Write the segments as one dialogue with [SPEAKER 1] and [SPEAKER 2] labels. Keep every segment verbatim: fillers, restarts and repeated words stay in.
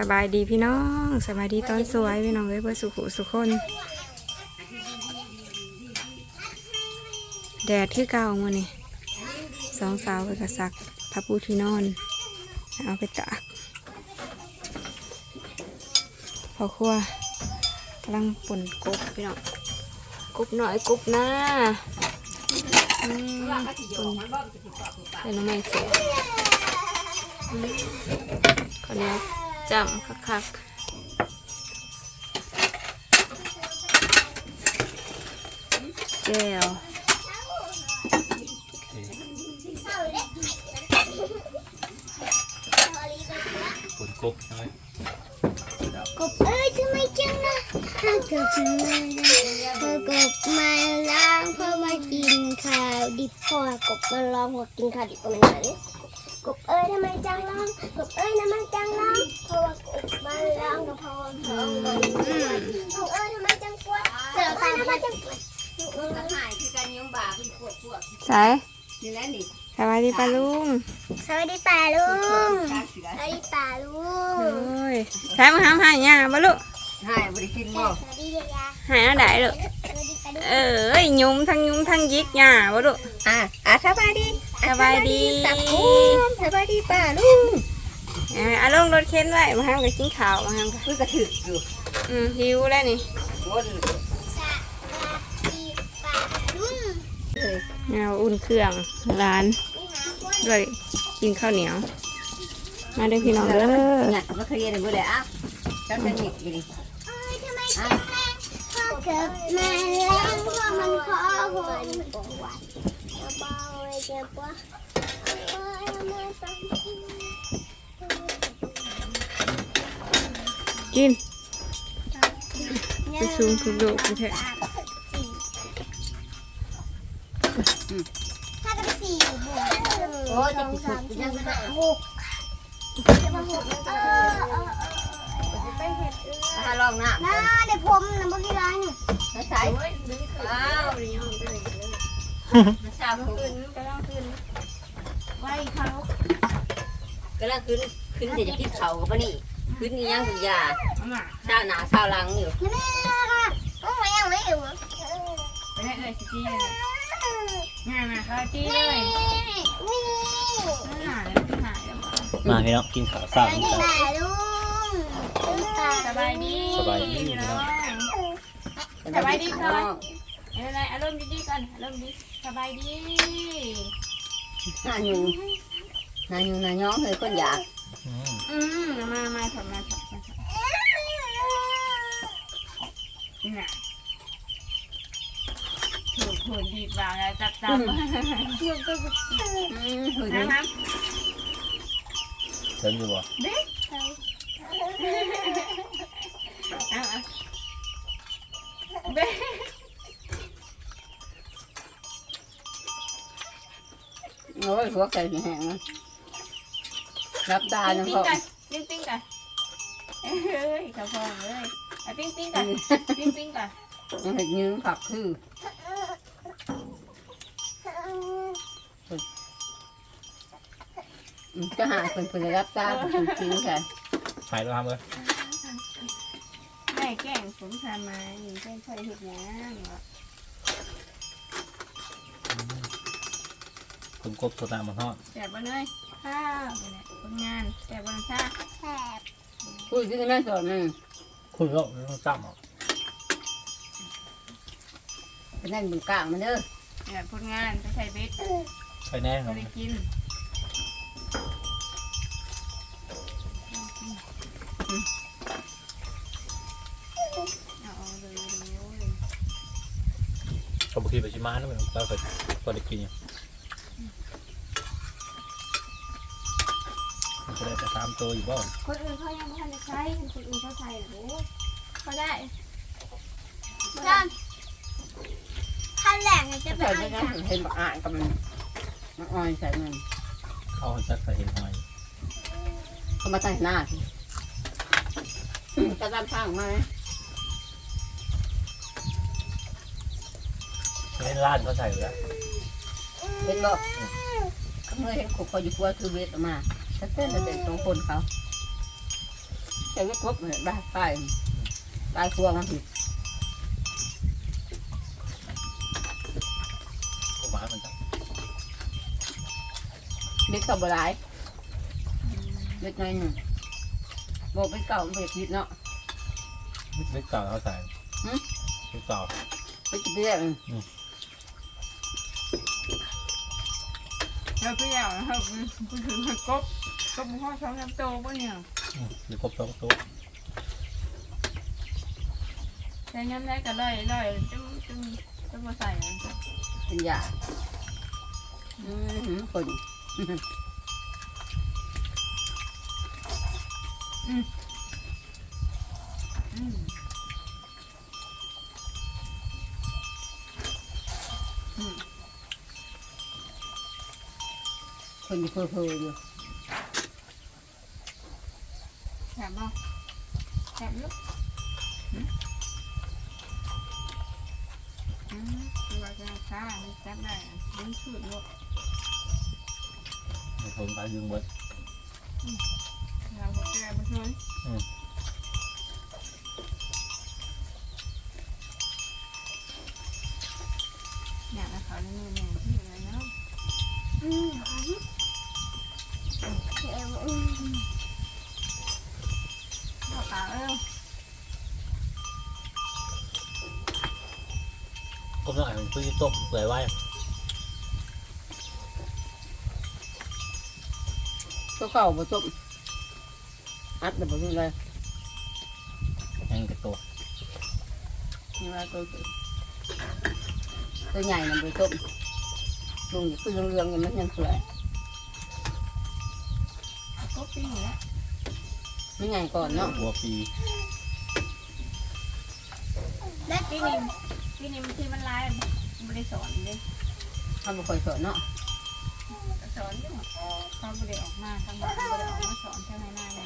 [SPEAKER 1] บายดีพี่น้องสบายดีตอนสวยพี่น้องเลยเพื่อสุขสุขคนแดดที่เก่ามาเนี่ยสองสาวไปกระซักพับปูที่นอนเอาไปตากพอครัวกำลังป่นกบพี่น้องกบหน่อยกบหน้าอืมป่นเป็นน้ำมันเสียคนนี้จำคักๆแก้ว
[SPEAKER 2] ฝนกบใช่ไหม
[SPEAKER 3] กบเอ้ยทำไมจังนะถ้าเกิดมาเธอกบมาล้างเพื่อมากินข้าวดิบพอกบมาลองพอกินข้าวดิบประมาณนั้นกบเอ้ยทำไมจังล้างกบเอ้ยทำไมจังล้างเพราะว่ากบมาล้างกับพอทองกบเอ้ยทำไมจังปวดเกิดใครทำไมจังปวดกระหายคือการยังบ่าคือปวดปวด
[SPEAKER 1] ใส่
[SPEAKER 3] นี่แหละนี่
[SPEAKER 1] สวัสดีป้าลุง
[SPEAKER 3] สวัสดีป่าลุงสวัสดีป่าลุง
[SPEAKER 1] โอ้ยใช้มาทำหายยาบ้าลุ
[SPEAKER 4] ให้บริกินบ่
[SPEAKER 3] สวัสดีเลยยา
[SPEAKER 1] หายอะไรลูก
[SPEAKER 3] สวัสดีป่าลุง
[SPEAKER 1] เอ้ยยุ้มทั้งยุ้มทั้งยิกยาบ้าลุ
[SPEAKER 4] อ่ะอ่ะสบายดี
[SPEAKER 1] สบายดี
[SPEAKER 4] ตักกุ้งสบายดีป่าลุง
[SPEAKER 1] อ่าเอาลงรถเข็นไว้มาทำกับกินข้าวมาทำกับ
[SPEAKER 4] เพิ่งกระถึกอยู่
[SPEAKER 1] อืมหิวแล้วนี่
[SPEAKER 4] วน
[SPEAKER 3] สวัสดีป่าลุง
[SPEAKER 4] เลย
[SPEAKER 1] เอาอุ่นเครื่องร้านด้วยกินข้าวเหนียวมาเด้อพี่น้องเด้อ
[SPEAKER 4] เนี่ยมาเคลียร์เลยบ่ได้อ่ะจังจะหยิบอยู่ดิ
[SPEAKER 3] เอ้ยทำไมจังแรงพอเกิดมาแล้วพอมันขอคนปวดเบาๆเลยเจ็บปวดเอ้ยทำไมต้อง
[SPEAKER 1] กินไปซูมคือลูกแท้
[SPEAKER 3] ถ้ากันสี่บวก
[SPEAKER 4] โอ้ย
[SPEAKER 3] ส
[SPEAKER 4] จะ
[SPEAKER 3] อง
[SPEAKER 4] กิน
[SPEAKER 3] สาม
[SPEAKER 4] สุ
[SPEAKER 3] สี่
[SPEAKER 4] กยัง
[SPEAKER 3] ห้า
[SPEAKER 4] ไม่
[SPEAKER 3] หกจะมาหกเออเออเออไปเห็ดเออ
[SPEAKER 4] ถ้าลองน้ำ
[SPEAKER 3] น้าเดี๋ยวผมนะเมื่อกี้ร้านนี่
[SPEAKER 4] แล้วใส่อ้าวมาชาบขึ้น
[SPEAKER 1] กำลังขึ้นไว้เขา
[SPEAKER 4] ก็แล้วขึ้นขึ้นเดี๋ยวจะกินเข่ากับปะนี่ขึ้นนี่ยังคุณยา
[SPEAKER 1] มา
[SPEAKER 4] ชาหนาชาหลังอยู่
[SPEAKER 3] นี่แม่ค่ะต้องมายังไม่อยู่
[SPEAKER 1] ไปได้เลยสิจี้เลยง่ายมาเขาจี้เลย
[SPEAKER 3] นี่
[SPEAKER 1] หายหายแล้ว
[SPEAKER 2] มาพี่น้องกินข้าว
[SPEAKER 3] ส
[SPEAKER 2] สาม
[SPEAKER 3] วัสดี
[SPEAKER 2] กัน
[SPEAKER 3] ป่าลุงป่า
[SPEAKER 1] สบายดี
[SPEAKER 2] สบายดีพี่น้อง
[SPEAKER 1] สบายดีค่ะอะไรอารมณ์ดีๆกันอารมณ์ดีสบายดี
[SPEAKER 4] หน้าอยู่หน้าอยู่หน้าย้องเลยคนอยาก
[SPEAKER 2] อืม
[SPEAKER 1] อืมมามาถอดมาถอดมาถอดนี่น่ะถูกถูกดีกว่าแล้วจับจับ
[SPEAKER 4] อืมหืน
[SPEAKER 1] นะครับ
[SPEAKER 2] เชิญอยู่บ่
[SPEAKER 1] เด็กเอาเอาเด็ก
[SPEAKER 4] โอ้ยหัวไก่แห้งนะรับตา
[SPEAKER 1] ปิ้
[SPEAKER 4] จั
[SPEAKER 1] ง
[SPEAKER 4] ง
[SPEAKER 1] ปิ้
[SPEAKER 4] พ
[SPEAKER 1] ง
[SPEAKER 4] อ
[SPEAKER 1] กันปิ้งปิ้งกันเฮ้ยข้าวฟองเลยเอาปิ้งปิ้งกันปิ้งปิ้งกัน
[SPEAKER 4] ยังเห็นยืนผักคือจะหาคนคนรับตาคนจริงค่ะ
[SPEAKER 2] หายแล้วทำเลย
[SPEAKER 1] แม่แกล้งผมทำไมแกล้งใส่เห็ดยัง
[SPEAKER 2] ฝนกบตัวตามมาทอด
[SPEAKER 1] แสบบ้านเลยข้าวเนี่ยผลงานแสบบ้านชา
[SPEAKER 3] แสบ
[SPEAKER 4] พูดที่แม่สอนนึง
[SPEAKER 2] คุณก็ไม่ต้องจ้ำหรอก
[SPEAKER 4] เป็นนั่นบนกลางมันเด้อ
[SPEAKER 1] เนี่ยผลงานไปใส่เบ็ด
[SPEAKER 2] ใช่แน่ครั
[SPEAKER 1] ไม่
[SPEAKER 2] บ
[SPEAKER 1] ได้กินเอาเลยเลย
[SPEAKER 2] เขาบอกที่ไปชิมาแล้วมันเราเคยพอได้กินอยู่มันจะได้แต่ตามตัวอยู่บ้าง
[SPEAKER 1] คนอื่นเขายังไม่ทันได้ใช้คนอื่นเขาใส่โอ้เขาได้
[SPEAKER 3] จ้าขั้นแรกเนี่ยจะเป็
[SPEAKER 4] ใส่
[SPEAKER 3] น
[SPEAKER 4] ไม่
[SPEAKER 3] อะไร
[SPEAKER 4] ได้เห็นบักอ่านกับมันมันอ่อยใส่มัน
[SPEAKER 2] เข้าหันจักใส่เห็นหอย
[SPEAKER 4] เขามาใส่หน้าจะตามทางมาไหม
[SPEAKER 2] เล่นร้านเขาใส่อยู่แล้ว
[SPEAKER 4] เห็นบอกเขาเมื่อเห็นขบเขาอยู่กลัวคือเวทออกมาถ้าเต้นจะเป็นสองคนเขาใช้ก็ครบเลยได้ไปได้ครัวมันผิด
[SPEAKER 2] ก็หวานเหมือนกัน
[SPEAKER 4] เด็กกับบัวลายเด็กน้อยหนึ่งบอกเป็นเก่ามันเป็นผิดเนาะ
[SPEAKER 2] เล็กเก่าเขาใส่เล็กเก่า
[SPEAKER 4] ไปกินเรื่อง
[SPEAKER 1] เราตัวอย่างนะครับกูถือมันกบกบพ่อช้อนน้ำโตป่ะเนี่ย
[SPEAKER 2] หรือครบสองตัว
[SPEAKER 1] ใช้น้ำได้ก็เลยเลยจึงจึงจึงมาใส่
[SPEAKER 4] เป็นยาอืมคน
[SPEAKER 1] อืม
[SPEAKER 4] คนอยู่เพ้อเพ้ออยู่
[SPEAKER 1] แถมบ่แถมลูกอืมเราจะช้าไม่จับได้ดึงสุดลูก
[SPEAKER 2] ในคนไปยืงเบิด
[SPEAKER 1] เราก็แก้ไปช่วยอยากให้เขาในมือแม่ที่อะไรเนาะ
[SPEAKER 3] อืมหอมเค็มอืม
[SPEAKER 1] ข้าวเปล่าเออ
[SPEAKER 2] ก็ต้องอ่านซื้อต้มเปื่อยไว้
[SPEAKER 4] ก็เก่าผสมอัดแต่ผสมเลย
[SPEAKER 2] แห้งกระตัว
[SPEAKER 4] นี่ว่าตัวตัวใหญ่น่ะผสมลุงคือเรื่องๆอย่างนั้นยังสวย
[SPEAKER 1] ก็ปิ้งแล้ว
[SPEAKER 4] ไม่ใหญ่ก่อนเนาะ
[SPEAKER 2] หัวปี
[SPEAKER 3] และ
[SPEAKER 1] ปี
[SPEAKER 3] ก็
[SPEAKER 1] นี้ปีนี้มันที่มันลายไม่ได้สอนเลย
[SPEAKER 4] เขาบ่ค่อยสอนเนาะ
[SPEAKER 1] สอนอยู่เขาไม่ได้ออกมาทั้งหมดไม่ได้ออกมาสอนแค่ในหน้าไง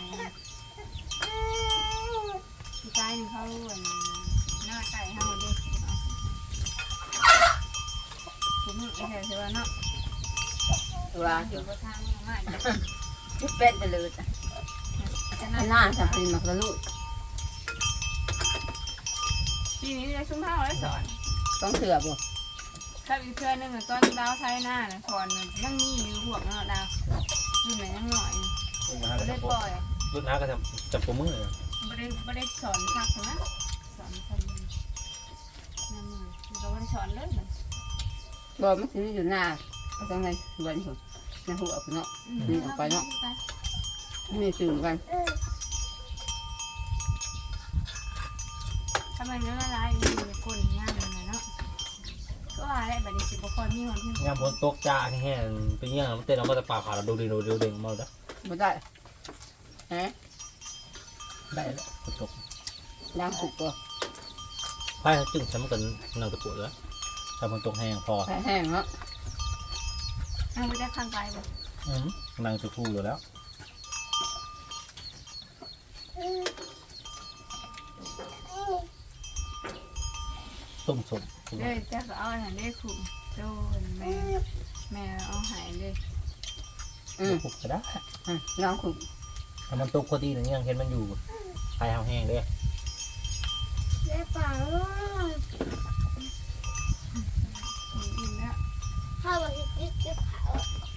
[SPEAKER 1] พี่ชายนึงเขาหน้าไก่เขาดิผมไม่ใช่ใช่ว่าเนาะ
[SPEAKER 4] ตัว
[SPEAKER 1] อยู่กับทางมาก
[SPEAKER 4] ที่เป็นไปเลยจ้ะ
[SPEAKER 1] จะ
[SPEAKER 4] ห
[SPEAKER 1] น่า
[SPEAKER 4] น้าสับเป็นมักละลุย
[SPEAKER 1] ปีนี้จะชุ่มเท้าแล้วสอน
[SPEAKER 4] ต้องเสือบ่
[SPEAKER 1] ถ้าอีกเพื่อนนึงตอนดาวไทยหน้าน่ะสอนยังมีอยู่พวกเนาะดาวอยู่ไหนยังหน่อย
[SPEAKER 2] รุ่นน้า
[SPEAKER 1] ไม่
[SPEAKER 2] ก็
[SPEAKER 1] ได้
[SPEAKER 2] จะ
[SPEAKER 1] ปล่อย
[SPEAKER 2] รุ่นน้าก็จะจับตัวมือเลย
[SPEAKER 1] ไม่ได้ไม่ได้สอนพักนะสอนคนนั่นมือเราไม่ได้สอนเลยเหมือน
[SPEAKER 4] บ่มันสิอยู่หน้าก็ต้องในสวนพุ่นในหัวพุ่นเนาะนี่ออกไปเนาะนี่สื่อกัน
[SPEAKER 1] ทำไมเนื้อละลายมีก้นย่างเลยเนาะก็อะไรแบบนี้สิบคนมีคนที่
[SPEAKER 2] งานบนโต๊ะจ้าแห้งๆไปเงี้ยมันเต้นเราก็จะปากขาเราดูดีดูดีเด้งมาแล้ว
[SPEAKER 4] บ่ได้ฮะ
[SPEAKER 2] ได้แล้วตก
[SPEAKER 4] ล้างสุกตัว
[SPEAKER 2] ไพ่จึงฉันมันก็นั่งตะปูแล้วถ้ามันตกแห้งพอ
[SPEAKER 4] แห้งๆเนาะ
[SPEAKER 1] นั่งไปได้ข้างไกลเลย
[SPEAKER 2] อืมนั่งตะปูอยู่แล้ว ต้มสด
[SPEAKER 1] เลยจะเอาอาหารได้ขุ่มโดนแม่แม่เอาหายเลย
[SPEAKER 4] อืม
[SPEAKER 2] ปลุกก็ได้
[SPEAKER 4] อืมล้างสุก
[SPEAKER 2] ถ้ามันตกพอดีหนึ่งยังเห็นมันอยู่ไพ่แห้งๆเลย
[SPEAKER 3] และเปล่า
[SPEAKER 1] อิ่มแล้ว
[SPEAKER 3] ถ้าวันนี้กิ๊กจะเผา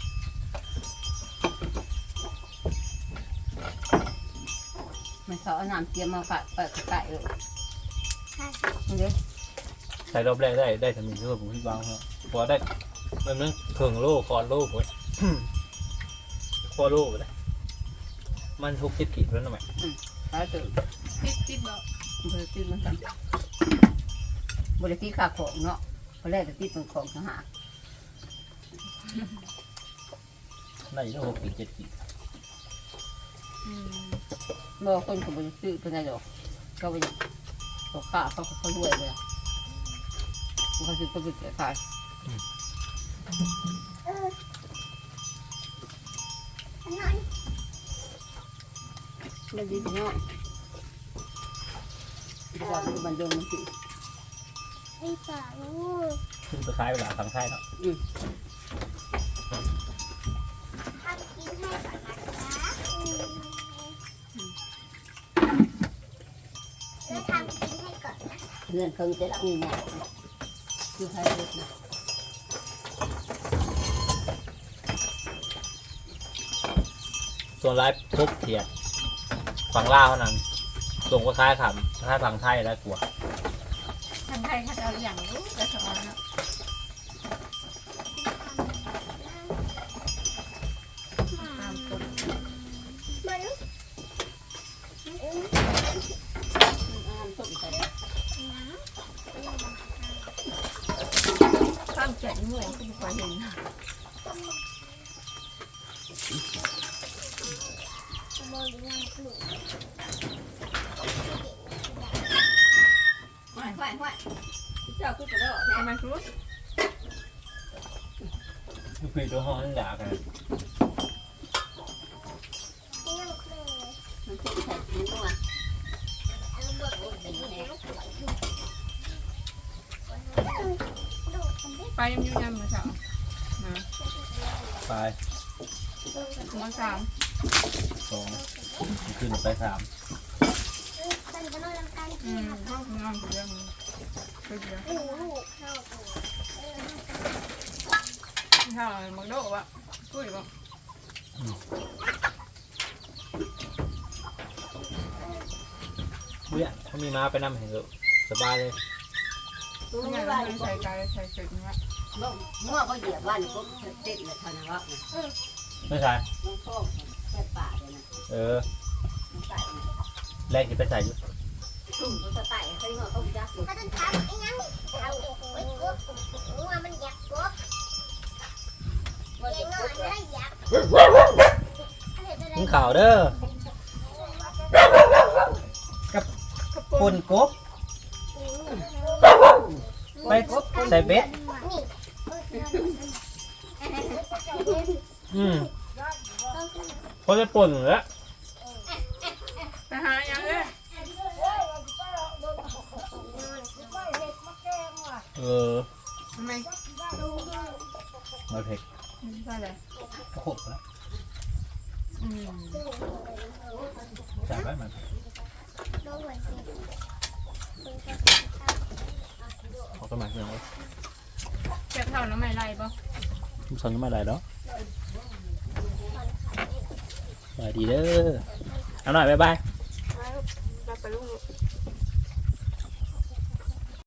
[SPEAKER 4] ไม่เขาเอาน้ำเตรียมมาฝากไปไก่เลย
[SPEAKER 3] ใช่
[SPEAKER 4] นี่เด้อ
[SPEAKER 2] ใส่รอบแรกได้ได้สามีเพื่อผมที่วางครับพอได้มันนั่งเครื่องโล่คอนโล่ผมคอโล่ไปเลยมันทุกสิบขีดแล้วนะแม่
[SPEAKER 4] ตายตื่น
[SPEAKER 1] ติดติดบอก
[SPEAKER 4] บริติดมันกันบริติดขาของเนาะพอแรกจะติดเป็นของทหาร
[SPEAKER 2] ได้แล้วหกขีดเจ็ดขีด
[SPEAKER 1] อืม
[SPEAKER 4] บอกคนเขาบริติดเป็นไงดอกก็ไปเขาฆ่าเขาเขารวยเลยเขาซื้อก็ไปเสียขาย
[SPEAKER 3] อันนั้น
[SPEAKER 4] ไม่ดีเนาะก่อนมันโดนมันสิ
[SPEAKER 3] ไอ้เปล่า
[SPEAKER 2] ซึ่งจะคล้ายเวลาทางค่ายเนาะ
[SPEAKER 4] อืม
[SPEAKER 3] ทำกินให้ก่อนนะคะ
[SPEAKER 4] เงินคงจะรับเงินเนี่ยคือใครเด็กนะ
[SPEAKER 2] ส่วนไลฟ์ทุบเทียดฝั่งล่าวเท่านั้นส่งก็คล้ายขำคล้ายฝั่งไทยแล้วกลัว
[SPEAKER 1] ทางไทยเขาจะเอาอย่างรู้แต่สอนเนาะ
[SPEAKER 4] ตามคน
[SPEAKER 3] มัน
[SPEAKER 4] อ่านต้นใส่
[SPEAKER 1] ข้ามเจ็ดโมงก็ไม่ค่อยเห็น
[SPEAKER 4] ไหวไหวไหวเจ้าคือจะได้
[SPEAKER 1] ทำไมรู้
[SPEAKER 2] ลูกพี่ตัวห้องนั่นด่ากัน
[SPEAKER 4] มันจะใส่ถุงนัว
[SPEAKER 1] ไปยังอยู่ยังมือสาวนะ
[SPEAKER 2] ไป
[SPEAKER 1] มือสาม
[SPEAKER 2] สองขึ้นไปสาม
[SPEAKER 1] อืมห้องนอนเดียวไปเดียวถ้ามักโดวะคุยบ่
[SPEAKER 2] เบื่อเขามีม้าไปนั่งเห็นเลยสบายเลย
[SPEAKER 4] ตัว
[SPEAKER 1] ไม่
[SPEAKER 4] นี้
[SPEAKER 1] ใช่
[SPEAKER 4] ว่า
[SPEAKER 1] ใส่ใจใส่เสร็จนะ
[SPEAKER 4] เมื่อเขาเหยียบว่านี่ก็เด็กเลยเท่านั้นว่า
[SPEAKER 2] ไม่ใช่
[SPEAKER 4] น้องโชคแค่ป่าเลยนะ
[SPEAKER 2] เออ
[SPEAKER 4] มันใส่
[SPEAKER 2] แรกจะไปใส่อยู่
[SPEAKER 4] ถุงมันจะใส่เขาเงาเขาจักอยู่
[SPEAKER 3] ถ้าต้องทำไอ้ยังเอาไว้กบว่ามันอยากกบ
[SPEAKER 4] ว่า
[SPEAKER 3] เลี้ย
[SPEAKER 4] จะ
[SPEAKER 3] งน้อย
[SPEAKER 4] พูด
[SPEAKER 3] ไม่
[SPEAKER 4] ว่า
[SPEAKER 3] ได้อยาก
[SPEAKER 2] มึงข่าวเด้อกับปนกบไปใส่เบ็ดอืมพอจะป่นแล้ว
[SPEAKER 1] ไปหายังเลย
[SPEAKER 2] เออ
[SPEAKER 1] ทำไม
[SPEAKER 2] มาเผ็ด
[SPEAKER 1] ใช่เลย
[SPEAKER 2] โอ้โหแล้ว
[SPEAKER 1] อืม
[SPEAKER 2] ใส่ไว้มันเขาก็มาเรื่องไว้
[SPEAKER 1] เก็บเท่าน้ำไม่ไรป่ะ
[SPEAKER 2] ทุกสันก็ไม่ได้แล้วบายดีเด้อเอาหน่อยบ๊ายบาย
[SPEAKER 1] ไปลูกไปลูก